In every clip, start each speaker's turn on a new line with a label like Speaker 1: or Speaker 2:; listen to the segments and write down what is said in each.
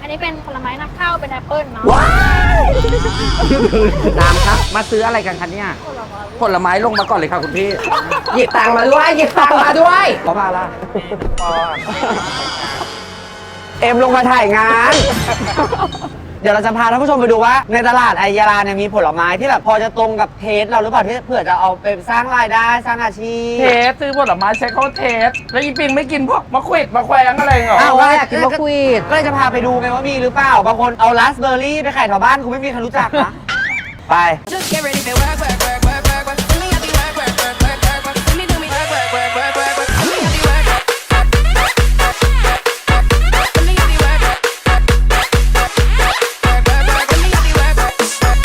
Speaker 1: นี้เป็นผลไม้นำเข้าเป็นแอปเปิ้ลเนาะ
Speaker 2: ว้ายน้ำครับมาซื้ออะไรกันคะเนี่ยผลไม้ลงมาก่อนเลยค่ะคุณพี่หยิบตังค์มาด้วยหยิบตังค์มาด้วยขอมาละเอ็มลงมาถ่ายงาน เดี๋ยวเราจะพาท่านผู้ชมไปดูว่าในตลาดไอยาลาเนี่ยมีผลไม้ที่แบบพอจะตรงกับเทสเราหรือเปล่าที่เผื่อจะเอาไปสร้างรายได้สร้างอาชีพ
Speaker 3: เทสซื้อผลไม้ใช้เขาเทสแล้วอีปิงไม่กินพวกมะขวิดมะแขวงอะไรเหรอ
Speaker 2: อ้าวอยากกินมะกวีดก็เลยจะพาไปดูไงว่ามีหรือเปล่าบางคนเอาราสเบอร์รี่ไปขายแถวบ้านกูไม่มีใครรู้จักนะไป
Speaker 4: Just get ready for work, work, work, work, work, work. Let me have you work, work, work, work, work, work. Let me do me work, work, work, work, work, work. Let me have you work, work. Let me have you work, work, work, work, work. Let me have you work, work.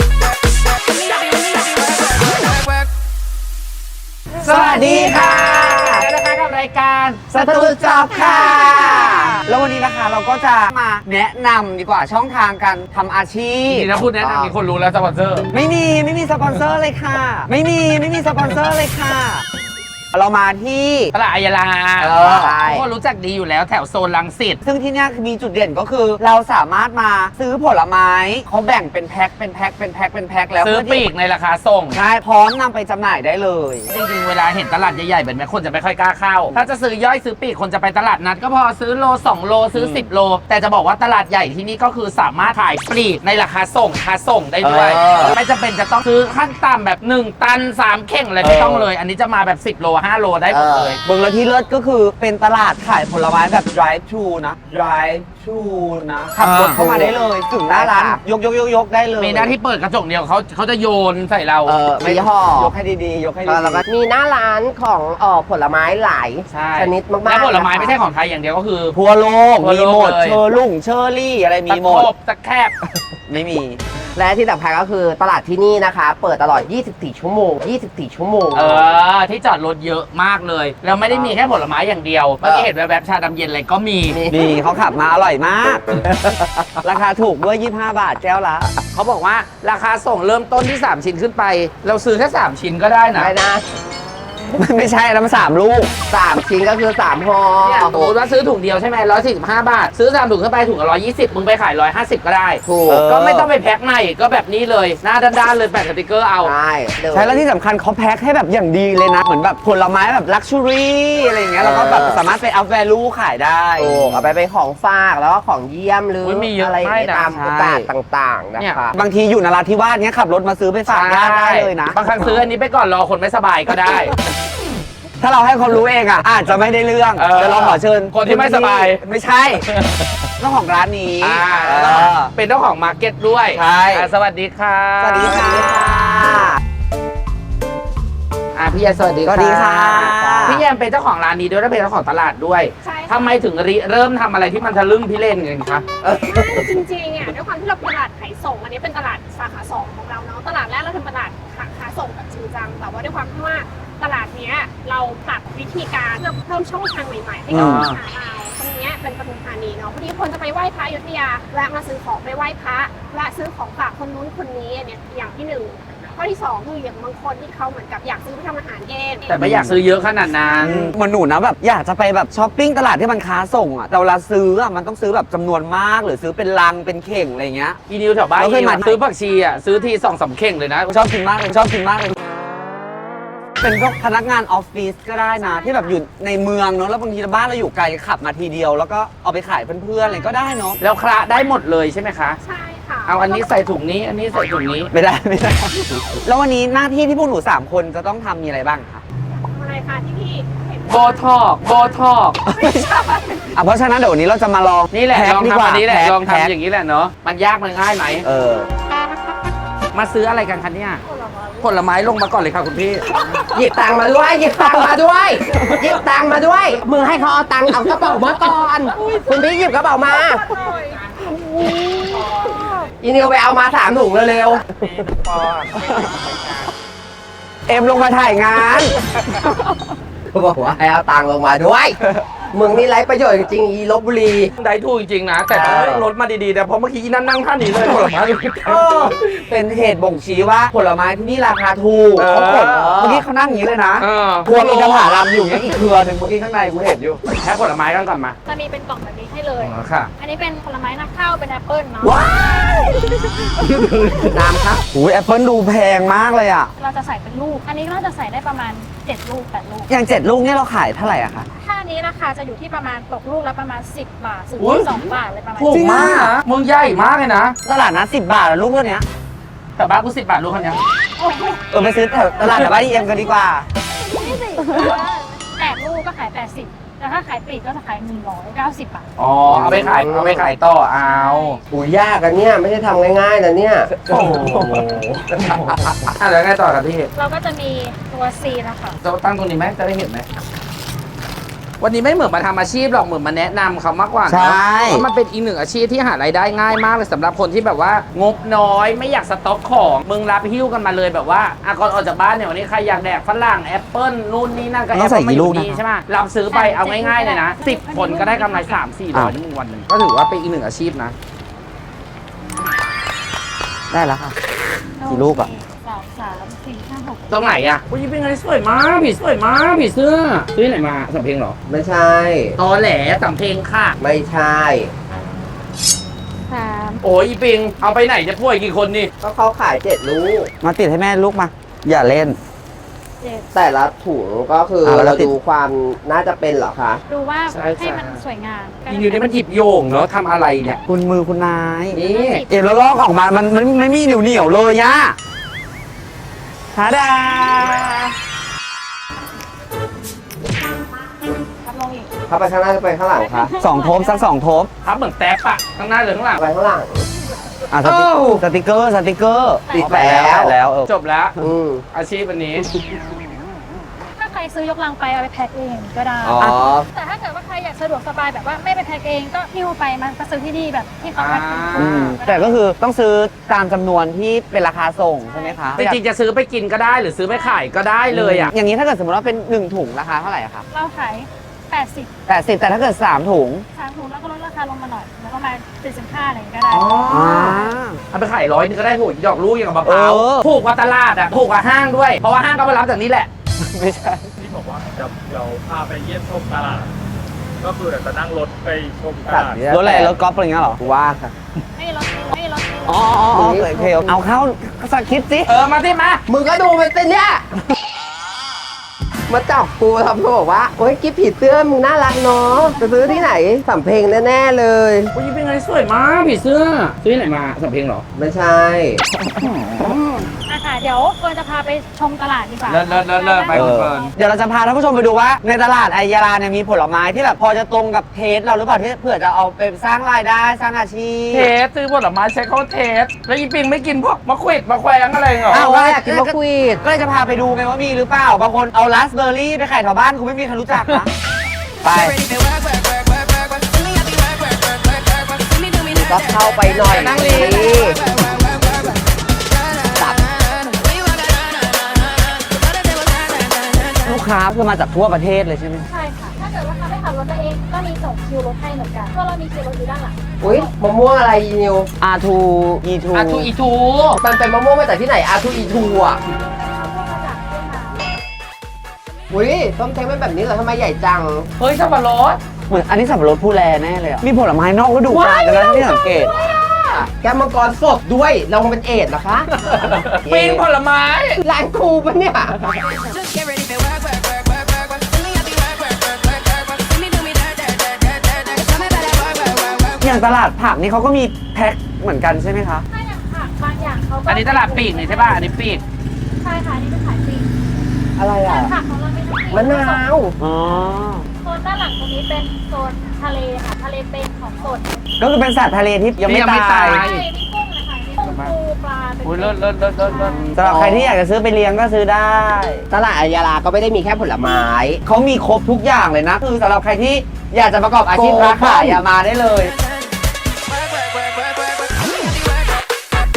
Speaker 4: Let me have you work, work, work, work.
Speaker 2: สวัสดีค่ะ
Speaker 3: แล้วนะคะกับรายการ
Speaker 2: สตูจอบค่ะ แล้ววันนี้นะคะเราก็จะมาแนะนำดีกว่าช่องทางการทำอาชีพ
Speaker 3: นี่ถ้าพูดแนะนำมีคนรู้แล้วสปอนเซอร์
Speaker 2: ไม่มีสปอนเซอร์เลยค่ะ ไม่มีสปอนเซอร์เลยค่ะ เรามาที่
Speaker 3: ตลาดอายาลา
Speaker 2: ใช่
Speaker 3: ทุกคนรู้จักดีอยู่แล้วแถวโซนรังสิต
Speaker 2: ซึ่งที่เนี่ยมีจุดเด่นก็คือ เราสามารถมาซื้อผลไม้เขาแบ่งเป็นแพ็คแล้ว
Speaker 3: ซื้อ
Speaker 2: เพื่
Speaker 3: ปี
Speaker 2: ที่
Speaker 3: กในราคาส่ง
Speaker 2: ใช่พร้อมนำไปจำหน่ายได้เลย
Speaker 3: จริงๆ เวลาเห็นตลาดใหญ่ๆแบบนี้คนจะไม่ค่อยกล้าเข้า ถ้าจะซื้อย่อยซื้อปีกคนจะไปตลาดนัดก็พอซื้อโล2โลซื้อ10โล แต่จะบอกว่าตลาดใหญ่ที่นี่ก็คือสามารถขายปลีกในราคาส่งได้ด้วย ไม่จำเป็นจะต้องซื้อขั้นต่ำแบบ1ตัน3เข่งอะไรไม่ต้องเลย อันนี้จะมาแบบ10โล5โลได้หมดเลย
Speaker 2: เมืองละที่เลิศก็คือเป็นตลาดขายผลไม้แบบ drive thru นะ drive thru นะขับรถเข้ามาได้เลยถึงหน้าร้านยกได้เลย
Speaker 3: มีหน้าที่เปิดกระจกเดียวเขาจะโยนใส่เรา
Speaker 2: ไม่ห่อยกให้ดีๆยกให้ดี
Speaker 5: แล้วก็มีหน้าร้านของผลไม้หลาย
Speaker 3: ใช่
Speaker 5: ชนิดมากๆ
Speaker 3: และผลไม้
Speaker 5: นะคะ
Speaker 3: ไม่ใช่ของไทยอย่างเดียวก็คือ
Speaker 2: ทั่วโลก
Speaker 3: ทั่ว
Speaker 2: มี
Speaker 3: โลก
Speaker 2: หมด
Speaker 3: เลย
Speaker 2: เชอร์ลุ่งเชอร์รี่อะไรมีหมด
Speaker 3: ตะโขบตะแคบ
Speaker 2: ไม่มี
Speaker 5: และที่สำคัญก็คือตลาดที่นี่นะคะ เปิดตลอด 24 ชั่วโมง 24 ชั่วโมง
Speaker 3: ที่จอดรถเยอะมากเลย แล้วไม่ได้มีแค่ผลไม้อย่างเดียว เมื่อกี้เห็นแวบๆชาดำเย็นอะไรก็มี
Speaker 2: นี่เขาขับมาอร่อยมาก ราคาถูกด้วย25 บาทแก้วละ
Speaker 3: เขาบอกว่าราคาส่งเริ่มต้นที่ 3 ชิ้นขึ้นไป เราซื้อแค่3ชิ้นก็ได้นะ
Speaker 5: ได้นะ
Speaker 2: ไม่ใช่แล้วมัน3 ลูก
Speaker 5: 3 ชิ้นก็คือ 3ห่อ
Speaker 3: เนี่ยสมมติว่าซื้อถุงเดียวใช่ไหม145 บาท ซื้อ3ถุงขึ้นไปถุงละ120มึงไปขาย150ก็ได้
Speaker 5: ถูก
Speaker 3: ก็ไม่ต้องไปแพ็คใหม่ก็แบบนี้เลยหน้าด้านๆเลยแปะสติกเกอร์เอา
Speaker 5: ใช่เลย
Speaker 2: ใช่แล้วที่สำคัญเขาแพ็คให้แบบอย่างดีเลยนะ เหมือนแบบผลไม้แบบลักชัวรี่อะไรอย่างเงี้ยแล้วก็แบบสามารถไปอัพแวลูขายได้
Speaker 5: ถูกเอาไปเป็นของฝากแล้วก็ของเยี่ยมหรือ
Speaker 3: มีเยอะ
Speaker 5: อะไรอย่างเงี้ย
Speaker 3: มากนะ
Speaker 5: ตามโอกาสต่างๆนะ
Speaker 3: เนี่ย
Speaker 5: คะ
Speaker 2: บางทีอยู่นราธิวาสเนี้ยขับรถมาซื้อไปฝากญาติได้เลยนะ
Speaker 3: บางครั้งซื้ออันนี้ไปก่อนรอคนไม่สบายก็ได้
Speaker 2: ถ้าเราให้คนรู้เองอ่ะอาจจะไม่ได้เรื่อง
Speaker 3: เออ
Speaker 2: เดี๋ยวเราขอเชิญ
Speaker 3: คนที่ไม่สบาย
Speaker 2: ไม่ใช่เจ้าของร้านนี้เออ
Speaker 3: เป็นเจ้าของมาร์เก็ตด้วย
Speaker 2: ใช่
Speaker 3: สวัสดีค่ะ
Speaker 2: สวัสดีค่ะ
Speaker 3: พี่แยมสวัสดี
Speaker 2: สวัสดีค่ะ
Speaker 3: พี่แยมเป็นเจ้าของร้านนี้ด้วยและเป็นเจ้าของตลาดด้วย
Speaker 1: ใช่ค่ะ
Speaker 3: ทำไมถึงเริ่มทำอะไรที่มันทะลึ่งพี่เล่นกันคะ
Speaker 1: จริงๆอ่ะด้วยความที่เราเป็นตลาดขายส่งอันนี้เป็นตลาดสาขา2ของเราเนาะตลาดแรกเราทำตลาดขาส่งแบบจริงจังแต่ว่าด้วยความที่ว่าตลาดเนี้ยเราปรับวิธีการเพื่อเพิ่มช่องทางใหม่ๆให้กับลูกค้าเราตรงเนี้ยเป็นปทุมธานีเนาะพอดีคนจะไปไหว้พระอยุธยาแวะมาซื้อของไปไหว้พระแวะซื้อของฝากคนนู้นคนนี้อันเนี้ยอย่างที่1ข้อที่2คืออย่างบางคนที่เขาเหมือนกับอยากซื้อไปทำอาหารเอง
Speaker 3: แต่ไม่อยากซื้อเยอะขนาดนั้น
Speaker 2: เหมือนหนูนะแบบอยากจะไปแบบช้อปปิ้งตลาดที่มันค้าส่งอ่ะแต่เวลาซื้ออ่ะมันต้องซื้อแบบจำนวนมากหรือซื้อเป็นลังเป็นเข่งอะไรเงี้ย
Speaker 3: อีนิวแถวบ้าน
Speaker 2: เราเคยมา
Speaker 3: ซื้อผักชีอ่ะซื้อที2-3 เข่งเลยนะ
Speaker 2: ชอบกินมากเลยเป็นพวกพนักงานออฟฟิศก็ได้นะ ที่แบบอยู่ในเมืองเนาะแล้วบางทีบ้านเราอยู่ไกลขับมาทีเดียว แล้วก็เอาไปขายเพื่อนๆอะไรก็ได้เนาะ
Speaker 3: แล้วคละได้หมดเลยใช่ไหมคะ
Speaker 1: ใช่ค่ะ
Speaker 3: เอาอันนี้ใส่ถุงนี้ อันนี้ใส่ถุงนี้
Speaker 2: ไม่ได้ แล้ววันนี้หน้าที่ที่พวกหนู3คนจะต้องทำมีอะไรบ้างคะ
Speaker 1: อะไรคะที่พี่เห็น
Speaker 3: โบทอกโบทอก
Speaker 1: ไม่ใช่
Speaker 2: เพราะฉะนั้นเดี๋ยววันนี้เราจะมาลอง
Speaker 3: นี่แหละ
Speaker 2: พ็ค
Speaker 3: ลอง
Speaker 2: ดีก
Speaker 3: ทำ
Speaker 2: ว่า
Speaker 3: อันนี้แหละ
Speaker 2: พ็ค
Speaker 3: ลอง
Speaker 2: แพ็ค
Speaker 3: ทำอย่างนี้แหละเนาะมันยากมันง่ายไหม
Speaker 2: เออ
Speaker 3: มาซื้ออะไรกันคะเนี่ยผลไม้ลงมาก่อนเลยค่ะคุณพี่
Speaker 5: หยิบตังค์มาด้วยหยิบตังค์มาด้วยหยิบตังค์มาด้วยมือให้เขาเอาตังค์เอากระเป๋ามาก่อนคุณพี่หยิบกระเป๋ามาอีนิวไปเอามา3 ถุงเร็ว
Speaker 2: เอ็มลงมาถ่ายงาน
Speaker 5: ๆบอกว่าให้เอาตังค์ลงมาด้วยมึงนี่ไร้ประโยชน์จริงๆอีลบบุรี
Speaker 3: ได้ถูกจริงๆนะ แต่ต้องเลือกรถมาดีๆแต่เพราะเมื่อกี้นั่งท่านี้เลยผลไม้
Speaker 2: เป็นเหตุบ่งชี้ว่าผลไม้ที่นี่ราคาถูก
Speaker 3: เออ
Speaker 2: เขากดเมื่อกี้เขานั่งอย่างนี้เลยนะ
Speaker 3: เออ
Speaker 2: พวงอินทผลัมอยู่อย่างนี้อีกเครือหนึ่งเมื่อกี้ข้างในกูเห็นอยู่
Speaker 3: แค่ผลไม้กันก่อนมา
Speaker 1: จะมีเป็นกล่องแบบนี้ให้เลย
Speaker 3: อ๋อค่ะ
Speaker 1: อันนี้เป็นผลไม้นำเข้าเป็นแอปเปิลเนาะ
Speaker 2: ว้าย
Speaker 5: น้ำครับ
Speaker 2: อุ้ยแอปเปิลดูแพงมากเลยอ่ะ
Speaker 1: เราจะใส่เป็นลูก อันนี้เราจะใส่ได้ประมาณ7ลูก8ลูก
Speaker 2: อย่าง7ลูกเนี่ยเราขายเท่าไหร่อะคะ
Speaker 1: ถ้าอันนี้ราคาจะอยู่ที่ประมาณตกลูกละประมาณ10 บาทถึง
Speaker 3: อุ๊ย
Speaker 1: 2 บาทเลยประมาณ
Speaker 3: ถูก
Speaker 1: นี้
Speaker 3: มากนะมึงใหญ่มากเลยนะ
Speaker 2: ตลาดนัด10 บาทแล้วลูกเท่านี้
Speaker 3: แต่บ้านกู10 บาทลูกคันนี้
Speaker 1: โอ้โห
Speaker 2: ไปซื้อแถวตลาดแถวบ้านเอ็มกันดีกว่า
Speaker 1: นี่สิ8ลูกก็ขาย80แต่ถ้าขายปลีกก็จะขาย190 บาท
Speaker 3: อ๋อเอาไปขายต่อเอา
Speaker 5: อุ้ยยากอันเนี้ยไม่ใช่ทำง่ายๆนะเนี่ย
Speaker 3: โอ้โหแล้วไงต่อครับพี่
Speaker 1: เราก็จะมีตัวซีนะคะ
Speaker 3: จะตั้งตรงนี้ไหมจะได้เห็นไหมวันนี้ไม่เหมือนมาทำอาชีพหรอกเหมือนมาแนะนำเขามากกว่า
Speaker 2: ใช่
Speaker 3: เนอะเพราะมันเป็นอีกหนึ่งอาชีพที่หารายได้ง่ายมากเลยสำหรับคนที่แบบว่างบน้อยไม่อยากสต็อกของมึงรับหิ้วกันมาเลยแบบว่าก่อนออกจากบ้านเนี่ยวันนี้ใครอยากแดกฝรั่งแอปเปิ้ลนู่นนี่นั่นก็
Speaker 2: ต้
Speaker 3: แอ
Speaker 2: อง
Speaker 3: ป
Speaker 2: ใส่
Speaker 3: เปิ้ล
Speaker 2: กี่
Speaker 3: มาอ
Speaker 2: ลูก
Speaker 3: ยู่
Speaker 2: นะ
Speaker 3: นี่ใช่ไหมรับซื้อไปเอาง่ายๆเลยนะ10 คนก็ได้กำไร300-400ในวันหนึ่งก็ถือว่าเป็นอีกหนึ่งอาชีพนะ
Speaker 2: ได้แล้วค่ะ กี่ลูกอะ
Speaker 1: 2 3 4 5 6
Speaker 3: ตรงไหนอ่ะอุ้ยเป็นไงสวยมากผีสวยมากผีเสื้อซื้อไหนมาสำเพลงเหรอ
Speaker 5: ไม่ใช่
Speaker 3: ตอแหลสำเพลงค่ะ
Speaker 5: ไม่ใช่
Speaker 1: 3
Speaker 3: โอ้ยอีปิงเอาไปไหนจะป่วยกี่คนนี่
Speaker 5: ก็เขาขาย7ลูก
Speaker 2: มาติดให้แม่ลูกมา อย่าเล่น
Speaker 1: 7
Speaker 5: แต่ละถุงก็คือ
Speaker 2: เอาแล้
Speaker 5: เรา
Speaker 2: วติด
Speaker 5: ดูความน่าจะเป็นเหรอคะ
Speaker 1: ดูว่า
Speaker 3: ใช่
Speaker 1: ให้มันสวยงาม
Speaker 3: ยิงอยู่นี่มันหยิบโยงเนาะทำอะไรเนี่ย
Speaker 2: คุณมือคุณนาย
Speaker 3: นี่
Speaker 2: เอ็มแล้วลอกออกมา มันไม่มีเหนียวเลยย่าทาดา
Speaker 1: ทำลงอีก
Speaker 5: ถ้าไปข้างหน้าจะไปข้างหลังคะ
Speaker 2: 2 โทบสัก 2 โทบ
Speaker 3: ทับเหมือนแต๊บอะข้างหน้าหรือข้างหลัง
Speaker 5: ไปข้างหลัง
Speaker 2: อ่ะสติกเกอร์
Speaker 5: ติด
Speaker 2: ไป แล้วเออ
Speaker 3: จบแล้ว
Speaker 5: อืม
Speaker 3: อาชีพวันนี้
Speaker 1: ถ้าใครซื้อยกลังไปเอาไปแพ็คเองก็ได้
Speaker 5: อ๋อ
Speaker 1: แต่ถ้าเกิดว่าใครอยากสะดวกสบายแบบว่าไม่ไปแพ็คเองก็หิ้วไปมันก็ซื้อที่นี่แบบที่เขาแพ็ค
Speaker 2: อืมแต่ก็คือต้องซื้อตามจำนวนที่เป็นราคาส่งใช่ไหมคะ
Speaker 3: จริงๆจะซื้อไปกินก็ได้หรือซื้อไปขายก็ได้เลยอะ
Speaker 2: อย่างนี้ถ้าเกิดสมมติว่าเป็น 1 ถุงราคาเท่าไหร่อะคะ
Speaker 1: เราขาย80
Speaker 2: 80แต่ถ้าเกิด 3 ถุง
Speaker 1: 3 ถุงแล้วก็ลดราคาลงมาหน่อย แล้วก็มา75อะไรอย่างเงี้ยก็ได้
Speaker 2: อ่า
Speaker 3: เอาไปขาย100นึงก็ได้ถูกดอกลูกอย่างกับมะพร้าว
Speaker 2: เออ
Speaker 3: ถูกกว่าตลาดอะถูกกว่าห้างด้วย เพราะว่าห้างก็ไปรับจากนี้แหละ
Speaker 2: ไม่ใช่
Speaker 6: ที่บอกว่าเดี๋ยวพาไปเยี่ยมชมตลาด ก็คือเดี๋ยวจะนั่งรถไปชมตลาด
Speaker 2: รถอะไรรถกอล์ฟอะไรเงี้ยเหรอ
Speaker 5: ว่าค่ะ
Speaker 1: ไม่ลดไม่ลด
Speaker 2: อ๋อโอเคเอาเข้าสักคิดสิ
Speaker 3: มาที่มา
Speaker 5: มึงก็ดูไปสิเนี่ย มาจับกูทำเขาบอกว่า โอ๊ยกิ๊บผีเสื้อมึงน่ารักเนาะจะซื้อที่ไหนสำเพ็งแน่ๆเลย
Speaker 3: อุ้ยเป็นไงสวยมากผีเสื้อซื้อที่ไหนมาสำเพลงเหรอ
Speaker 5: ไม่ใช่
Speaker 1: ค่ะเดี๋ยวเฟิร์นจะพาไปชมตลาดดีกว่า
Speaker 3: เลิศไปคุณเฟิร์น
Speaker 2: เดี๋ยวเราจะพาท่านผู้ชมไปดูว่าในตลาดไอยาลาเนี่ยมีผลไม้ที่แบบพอจะตรงกับเทสเราหรือเปล่าที่เผื่อจะเอาไปสร้างรายได้สร้างอาชีพ
Speaker 3: เทสซื้อผลไม้ใช้เขาเทส แล้วอีปิงไม่กินพวกมะขวิดมะแขวงอะไรเหรอ
Speaker 2: อ้าว
Speaker 5: อยากกินมะกวีด
Speaker 2: ก็เลยจะพาไปดูไงว่ามีหรือเปล่า บางคนเอาราสเบอร์รี่ไปขายแถวบ้านกูไม่มีใครรู้จักนะ ไป
Speaker 5: ก็เข้าไปหน่อย
Speaker 3: นั่งดี
Speaker 2: ลูกค้าคือมาจากทั่วประเทศเลยใช่ไหม
Speaker 1: ใช่ค่ะ ถ้าเกิดว่าเขาไม่ขับรถตัวเองก็มีส่งคิวรถให้เหมือนกันเพราะเรามีคิวรถอยู่ด้านหลัง
Speaker 5: อุ้ยมะม่วงอะไรอีนิว
Speaker 2: R2 E2
Speaker 3: อีทู
Speaker 5: มันเป็นมะม่วงมาจากที่ไหนอาทูอีทูอ่ะ อุ้ยต้มเท้งเป็นแบบนี้เหรอทำไมใหญ่จัง
Speaker 3: เฮ้ยสับปะรด
Speaker 2: เหมือนอันนี้สับปะรดผู้แลแน่เลยอ่ะ มีผลไม้นอกฤดูกาลกันแล้วที่สังเกต
Speaker 5: แกมมังกรสดด้วย เราเป็นเอดเหรอคะ
Speaker 3: ปิงผลไม้
Speaker 5: ร้านครูปะเนี่ย
Speaker 4: Just get ready for work, work, work, work, work, work. See me happy, work, work, work, work, work, work. See me do me dirt, dirt, dirt, dirt, dirt, dirt. Show me better work, work, work, work.
Speaker 2: อย่างตลาดผักนี่เขาก็มีแพ็คเหมือนกันใช่ไหมคะ
Speaker 1: ถ้าอย่างผักบางอย่างเขาก็
Speaker 3: อันนี้ตลาดปีกนี่ใช่ป่ะ อันนี้ปีก
Speaker 1: ใช่ค่ะอันนี่เป็นขายปลีก
Speaker 5: อะไร
Speaker 1: แต่
Speaker 5: อ่ะ
Speaker 1: ผักของเราไม่ต้องปลีก
Speaker 5: มะนาว
Speaker 2: อ๋อ
Speaker 1: โซนด้านหลังตรงนี้เป็นโซนทะเลค่ะ ทะเลเป็นของสด
Speaker 2: ก็คือเป็นสัตว์ทะเลที่ยังไม่
Speaker 3: ที่ยังไม่
Speaker 2: ตาย
Speaker 3: ตาย
Speaker 1: ใช่มีกุ้งนะคะมีกุ้งปูปลาเป็น
Speaker 3: อุ้ยเลิศเลิศเลิศเลิศเลิศ
Speaker 2: สำหรับใครที่อยากจะซื้อไปเลี้ยงก็ซื้อได้
Speaker 5: ตลาดอายาลาก็ไม่ได้มีแค่ผลไม้
Speaker 2: เขามีครบทุกอย่างเลยนะ คือสำหรับใครที่อยากจะประกอบอาชีพค้าขายอย่ามาได้เลย
Speaker 4: Work, work, work, work, work, work. See me happy, work, work.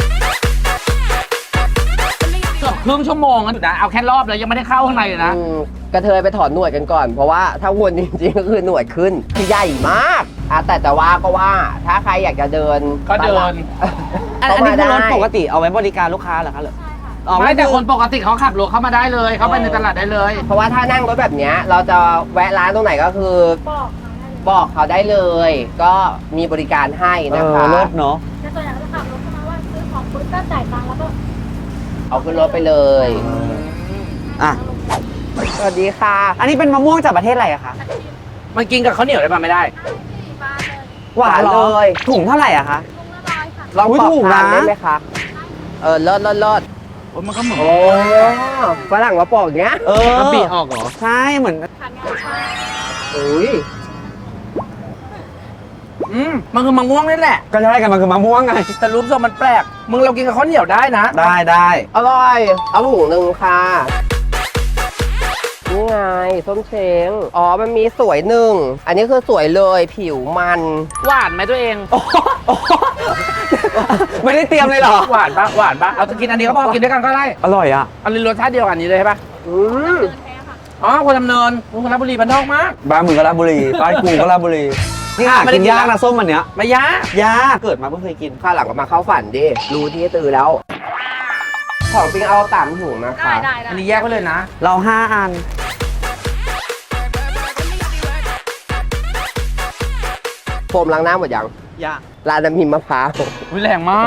Speaker 4: See me happy,
Speaker 3: เกือบครึ่งชั่วโมงนะเอาแค่รอบเลยยังไม่ได้เข้าข้างในเลยนะ
Speaker 5: กระเทยไปถอนหนวดกันก่อน เพราะว่าถ้าวนจริงๆก็คือหนวดขึ้นคือใหญ่มากแต่จะว่าก็ว่า ถ้าใครอยากจะเดิน
Speaker 3: ก็เดิน
Speaker 2: อัน
Speaker 5: เข้า
Speaker 2: นี้
Speaker 5: มา
Speaker 2: คือรถ
Speaker 5: ได้
Speaker 2: ปกติเอาไว้บริการลูกค้าเหรอคะหรือ
Speaker 1: ใช่ค่ะ
Speaker 2: อ๋อ
Speaker 3: ไม่แต่
Speaker 2: อ
Speaker 3: คนปกติเขาขับรถเข้ามาได้เลย เขาไปในตลาดได้เลย
Speaker 5: เพราะว่าถ้านั่งรถแบบเนี้ยเราจะแวะร้านตรงไหนก็คือ
Speaker 1: บอกน้องได้เลย
Speaker 5: บบอกเขาได้เลย ก็มีบริการให้นะคะ
Speaker 2: เลิศเนาะ
Speaker 1: แต่ตัวอย่างก็จะขับรถเข้ามาว่าซื้อของปุ๊บก็จ่ายตังค์แล้วก็
Speaker 5: เอาขึ้นรถไปเลย
Speaker 2: อ่ะ
Speaker 5: สวัสดีค่ะ
Speaker 2: อันนี้เป็นมะม่วงจากประเทศอะไรอะคะ
Speaker 3: มันกินกับข้าวเหนียวได้ปะไม่ได้
Speaker 2: หวานเลยถุงเท่าไหร่อะคะ
Speaker 5: ลอง
Speaker 2: อุ๊ย
Speaker 5: ปอก
Speaker 2: ถูก
Speaker 5: ทาน
Speaker 2: นะ
Speaker 5: ได้ไหมคะเลิศ
Speaker 3: โอ้ยมันก็เหมือน
Speaker 5: โอ้ฝรั่งมาปอกอย่างเงี้ย
Speaker 2: เออ
Speaker 3: มันบีออกเหรอ
Speaker 2: ใช่เหมือน
Speaker 1: ทานงานใช่
Speaker 5: อุ้ย
Speaker 3: มันคือมะม่วงนี่แหละ
Speaker 2: ก็ใช่กันมันคือมะม่วงไง
Speaker 3: แต่รูปทรงมันแปลก มึงเรากินกับข้าวเหนียวได้นะ
Speaker 2: ได้
Speaker 5: อร่อย เอาถุงหนึ่งค่ะนี่ไงส้มเช้งอ๋อมันมีสวยหนึ่งอันนี้คือสวยเลยผิวมัน
Speaker 3: หวานไหมตัวเอง
Speaker 2: ไม่ได้เตรียมเลยเหรอ
Speaker 3: หวานปะหวานปะเอาจะกินอันนี้ก็พอกินด้วยกันก็ได้
Speaker 2: อร่อยอ่ะ
Speaker 3: อันนี้รสชาติเดียวกันนี้เลยใช่ปะ
Speaker 5: อืม
Speaker 1: เดินแท้ค่ะ
Speaker 3: อ๋อคนดำเนินมึงคนราชบุรีบ้านนอกมาก
Speaker 2: บ้านมึงก็ราชบุรีบ้านกูก็ราชบุรี นี่หา
Speaker 3: ไม่ได้
Speaker 2: กิน
Speaker 3: กิน
Speaker 2: ยากนะส้มอันเนี้ย
Speaker 3: ไม่ยาก
Speaker 2: ยากเกิดมาเพิ่งเคยกิน
Speaker 5: ข้าวหลังก็มาเข้าฝันดิรู้ที่ตื่นแล้ว ของจริงเอา3ถุงนะคะ
Speaker 1: ได้
Speaker 3: อันนี้แยกไว้เลยนะ
Speaker 2: เรา5 อัน
Speaker 5: โฟมล้างหน้าหมดยัง
Speaker 2: ยาก
Speaker 5: ร้านน้ำพิมพ์มะพร้าว
Speaker 3: วิแรงมาก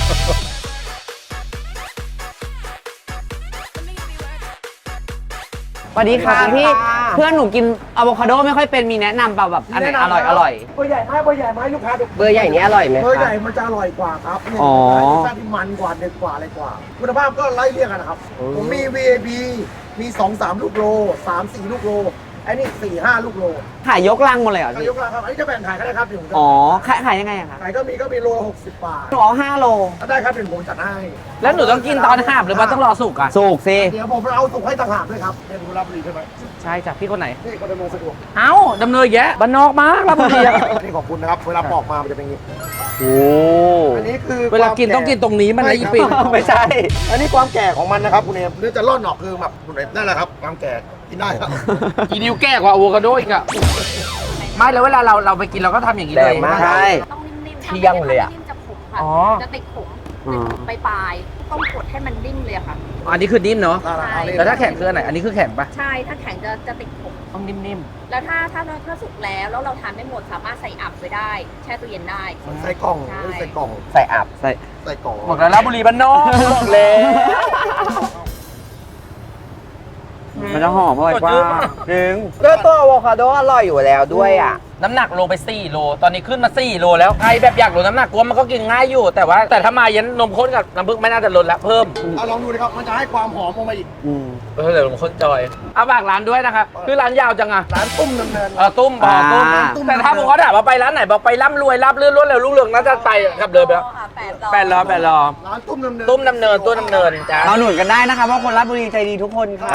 Speaker 2: สวัสดีค่ะ
Speaker 5: สวัสดี
Speaker 2: พี่
Speaker 5: ค่ะ
Speaker 2: เพื่อนหนูกินอะโวคาโดไม่ค่อยเป็นมีแนะนำเปล่าแบบอันไหนอร่อยอร่อย
Speaker 7: เบอร์ใหญ่ไหมเบอร์ใหญ่ไหมลูกค้าดู
Speaker 5: เบอร์ใหญ่นี้อร่อยไหม
Speaker 7: เบอร์ใหญ่
Speaker 5: คะ
Speaker 7: มันจะอร่อยกว่าครับเนี่ย
Speaker 2: อ๋อ
Speaker 7: รสชาติที่มันกว่าเด็ดกว่าอะไรกว่า คุณภาพก็ไล่เรียกกันนะครับ ผมมี VAB มี 2-3 ลูกโล 3-4 ลูกโลไอ้นี่4-5 ลูกโล
Speaker 2: ขายยกลังหมดเลยเหรอ
Speaker 7: ก็
Speaker 2: พี่
Speaker 7: ยกราคาครับอันนี้จะแบ่งขายก็ได้ครับเดี๋ยวผมจะ
Speaker 2: อ๋อขายยังไงอะคะ
Speaker 7: ขายก็มีโลละ60 บาท
Speaker 2: หนูเอา5 โล
Speaker 7: ถ้าได้ครับเดี๋ยวผมจัดให้
Speaker 3: แล้วหนูต้องกินตอนหาบหรือว่าต้องรอสุกอ่ะ
Speaker 2: สุกสิ
Speaker 7: เดี๋ยวผมเอาสุกให้ต่างหากด้วยครับเป็นคุณรับบุรีใช่ไหม
Speaker 3: ใช่จ้ะพี่คนไหน
Speaker 7: นี่ก็ดำเนินสะดวก
Speaker 3: เอ้าดำเนินแยะบ้านนอกมากราชบุรีอะ
Speaker 7: นี่ขอบคุณนะครับ เวลาปอกมามันจะเป็นอย่างนี้
Speaker 2: โอ้
Speaker 7: อันนี้คือ
Speaker 3: เวลากินต้องกินตรงนี้มันนะอีปิ่น
Speaker 2: ไม่ใช่
Speaker 7: อันนี้ความแก่ของมันนะครับคุณเอมเนื้อจะร่อนออกคือแบบคุณเอมนั่นแหละครับความแก่กินได้ครับ
Speaker 3: อีนิวแก่กว่าอะโวคาโดอีกอะไม่แล้วเวลาเราไปกินเราก็ทำอย่างนี้เลย
Speaker 5: แรงมาก
Speaker 2: ใช่
Speaker 8: ต้องนิ่มๆ
Speaker 5: เที่ยงเลยอะ
Speaker 8: นิ่มๆจะขมค่ะ
Speaker 3: อ๋อ
Speaker 8: จะติดขมไปปลายๆต้องกดให้มันนิ่มเลยอะค่ะ
Speaker 3: อันนี้คือนิ่มเนาะ
Speaker 8: ใช่
Speaker 3: แล้วถ้าแข็งคืออันไหน อันนี้คือแข็งปะ
Speaker 8: ใช่ ถ้าแข็งจะติดขม
Speaker 3: ต้องนิ่ม
Speaker 8: แล้วถ้าสุกแล้วเราทานไม่หมดสามารถใส่อับไว้ได้ แช่ตู้เย็นได้
Speaker 7: ใส่กล่อง
Speaker 8: ใช่
Speaker 7: ใส่กล่อง
Speaker 5: ใส่อับ
Speaker 2: ใส่
Speaker 7: ใส่กล่อง
Speaker 3: ๆบอกแล้วราชบุรีบ้านนอกบอกเลย
Speaker 2: มันจะหอมอร่อยกว่าจริง
Speaker 5: ก็ตัวอะโวคาโดอร่อยอยู่แล้วด้วยอ่ะ
Speaker 3: น้ำหนักโลไป4 โล ตอนนี้ขึ้นมา4 โลแล้วใครแบบอยากลดน้ำหนักกลัวมันก็กินง่ายอยู่ แต่ถ้ามาเย็นนมข้นกับน้ำผึ้งไม่น่าจะลดละเพิ่ม
Speaker 7: เอาลองดูนะครับมันจะให้ความหอมลงมาอีก
Speaker 3: เดี๋ยวนมข้นจอยเอาฝากร้านด้วยนะครับคือร้านยาวจังอะ
Speaker 7: ร้านตุ้มดำเนิน
Speaker 3: ตุ้มบอกตุ้มแต่ถ้าผมก็ถามว่าไปร้านไหนบอกไปร่ำรวยรับเลื่อนรวดเร็วรุ่งเรืองน่าจะไปครับเลยไปแล้ว 8 รอ
Speaker 7: ร้านตุ้มดำเนิน
Speaker 3: ตุ้มดำเนินตัวดำเนินจ้า
Speaker 2: เราหนุนกันได้นะคะเพราะคนราชบุรีใจดีทุกคนค่ะ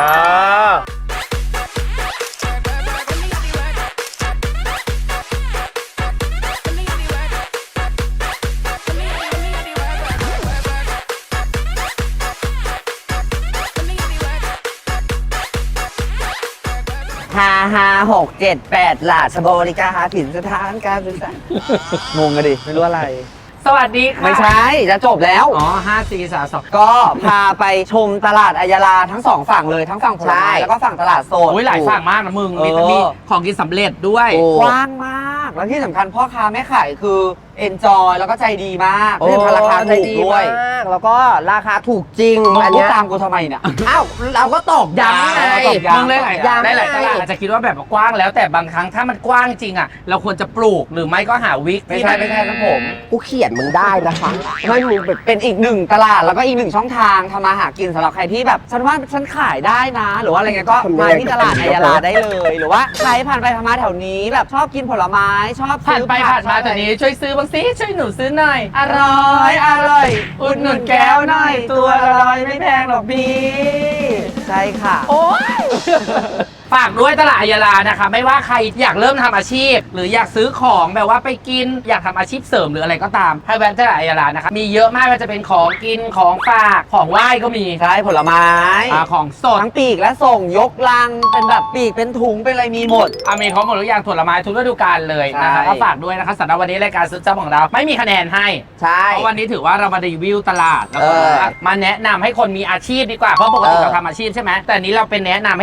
Speaker 2: 5567 8ราชบริการถิ่นสถานการศึกษางงกันดิ ไม่รู้อะไร
Speaker 3: สวัสดีค่ะ
Speaker 2: ไม่ใช่ จะจบแล้ว
Speaker 3: อ๋อ5 4 3 2
Speaker 2: ก็พาไปชมตลาดอัยยาลาทั้งสองฝั่งเลยทั้งฝั่งผลไม้แล้วก็ฝั่งตลาดสด
Speaker 3: โอ้ยหลายฝั่งมากนะมึง มี
Speaker 2: เออ
Speaker 3: มีของกินสำเร็จด้วย
Speaker 5: โอ้
Speaker 2: กว้างมาก แล้วที่สำคัญพ่อค้าแม่ขายคือเอนจอยแล้วก็ใจดีมากที่สำคัญราคาถูกด้วย
Speaker 5: มาก แล้วก็ราคาถูกจริง
Speaker 2: มึง
Speaker 5: อัน
Speaker 2: พูด
Speaker 5: เนี้ย
Speaker 2: ตามกูทำไมเนี่ย
Speaker 5: อ้าว เราก็ตอกย้ำไง
Speaker 2: ตอกย้ำ
Speaker 3: มึงเลยหลาย
Speaker 5: ย้ำ
Speaker 3: ได้หลายตลาดอาจจะคิดว่าแบบกว้างแล้วแต่บางครั้งถ้ามันกว้างจริงอ่ะ เราควรจะปลูกหรือไม่ก็หาวิก
Speaker 2: ไม่ใช่ครับผม
Speaker 5: กูเขียนมึงได้นะคะ
Speaker 2: ไม่มึงเป็นอีกหนึ่งตลาดแล้วก็อีกหนึ่งช่องทางทำมาหากินสำหรับใครที่แบบฉันว่าฉันขายได้นะ หรือว่าอะไรเงี้ยก็มาที่ตลาดอัยยาลาได้เลย หรือว่าใครผ่านไปผ่านมาแถวนี้แบบชอบกินผลไม้ชอบ
Speaker 3: ผ่าน
Speaker 2: ซื้อ
Speaker 3: ไป
Speaker 2: ผัก
Speaker 3: ผ่านมาแต่นี้ช่วยซื้อบางสิช่วยหนูซื้อหน่อย
Speaker 2: อร่อยอุดหนุนแก้วหน่อย ตัวละ100ไม่แพงหรอกพี่ใช่ค่ะ
Speaker 3: โอ้ย ฝากด้วยตลาดอัยยาลานะคะ ไม่ว่าใครอยากเริ่มทำอาชีพ หรืออยากซื้อของแบบว่าไปกินอยากทำอาชีพเสริมหรืออะไรก็ตามให้แวะตลาดอัยยาลานะคะมีเยอะมากว่าจะเป็นของกินของฝากของไหว้ก็มี
Speaker 2: ใช่ผลไม้
Speaker 3: ของสด
Speaker 2: ทั้งปีกและส่งยกลังเป็นแบบปีกเป็นถุงเป็นอะไรมีหมด
Speaker 3: มีครบหมดทุกอย่างผลไม้ทุกฤดูกาลเลยนะคะ
Speaker 2: ใช่
Speaker 3: ก็ฝากด้วยนะคะสำหรับวันนี้รายการซื้อจับของเราไม่มีคะแนนให้
Speaker 5: ใช่
Speaker 3: เพราะวันนี้ถือว่าเรามารีวิวตลาดแล้วก็
Speaker 5: เออ
Speaker 3: มาแนะนำให้คนมีอาชีพดีกว่าเพราะปกติ
Speaker 5: เออ
Speaker 3: เราทำอาชีพใช่ไหมแต่อันนี้เราเป็นแนะนำให้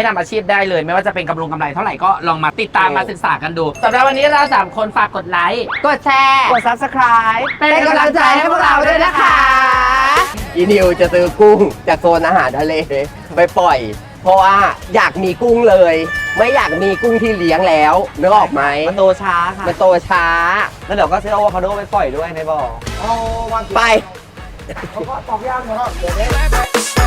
Speaker 3: ให้ทำอาชีพได้เลย ไม่ว่าจะเป็นกำไรเท่าไหร่ก็ลองมาติดตามมาศึกษากันดูสำหรับวันนี้เรา3 คนฝากกดไลค์
Speaker 5: กดแชร์
Speaker 2: กด subscribe
Speaker 5: เป็นกำลังใจให้พวกเราด้วยนะคะ อีนิวจะซื้อกุ้งจากโซนอาหารทะเลไปปล่อย เพราะว่าอยากมีกุ้งเลย ไม่อยากมีกุ้งที่เลี้ยงแล้วนึกออกไหม
Speaker 2: มันโตช้าค่ะ
Speaker 5: มันโตช้า
Speaker 2: แล้วเดี๋ยวก็ซื้ออะโวคาโดไปปล่อยด้วยในบ่อ
Speaker 7: เอาวัน
Speaker 5: ไป
Speaker 7: เขาก็ตอกย่างนะครับเดี๋ยวนี้
Speaker 4: Bye, bye.